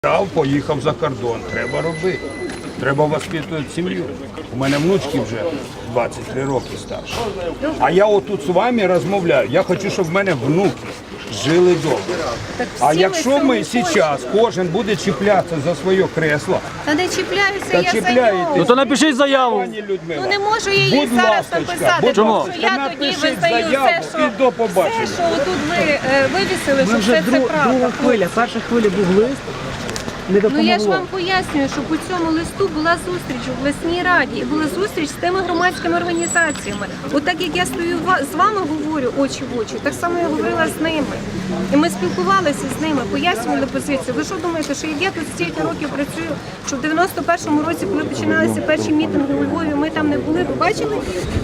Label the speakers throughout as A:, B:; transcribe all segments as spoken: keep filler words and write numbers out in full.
A: Став, поїхав за кордон, треба робити. Треба воспитувати сім'ю. У мене внучки вже двадцять три роки старші. А я отут з вами розмовляю. Я хочу, щоб в мене внуки жили добре. А якщо ми зараз кожен буде чіплятися за своє кресло,
B: Та не чіпляюся,
A: та
B: я за
A: чіпляєтесь,
B: нього.
C: Ну то напишіть заяву.
A: пані Людмила.
B: Ну не можу я її
A: Будь
B: зараз
A: ласка,
B: написати,
A: будь
B: тому
A: ласка,
B: що я тоді
A: напишіть
B: визнаю
A: заяву
B: все, що,
A: і до побачення.
B: все, що отут ви е, вивісили, що все це правда.
C: друга хвиля. Перша хвиля був лист, не
B: Ну
C: допомогло.
B: я ж вам пояснюю, що по цьому листу була зустріч у обласній раді, і була зустріч з тими громадськими організаціями. От так як я стою ва- з вами говорю очі в очі, так само я говорила з ними. І ми спілкувалися з ними, пояснювали позицію. Ви що думаєте, що я тут стільки років працюю, що в дев'яносто першому році, коли починалися перші мітинги у Львові, ми там не були, ви бачили?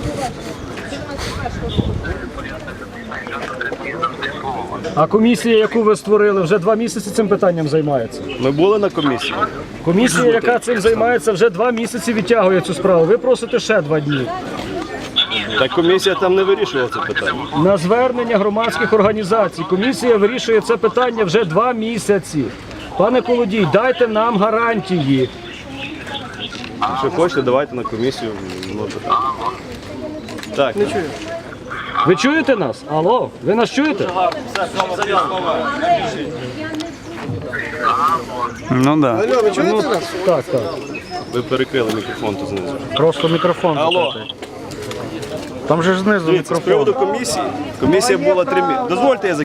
C: А комісія, яку ви створили, вже два місяці цим питанням займається.
D: Ми були на комісії.
C: Комісія, яка цим займається, вже два місяці відтягує цю справу. Ви просите ще два дні.
D: Та комісія там не вирішувала це питання.
C: На звернення громадських організацій комісія вирішує це питання вже два місяці. Пане Колодій, дайте нам гарантії.
D: Якщо хочете, давайте на комісію. Ну, питання. Так, не чую.
C: Ви чуєте нас? Алло, ви нас чуєте?
E: Ну да.
C: Ну, так, так.
D: Ви перекрили мікрофон тут знизу.
E: Просто мікрофон.
D: Алло.
E: закритий. Там же ж знизу
D: Дивіться, з
E: мікрофон.
D: приводу комісії. Комісія була три місяці. Дозвольте, я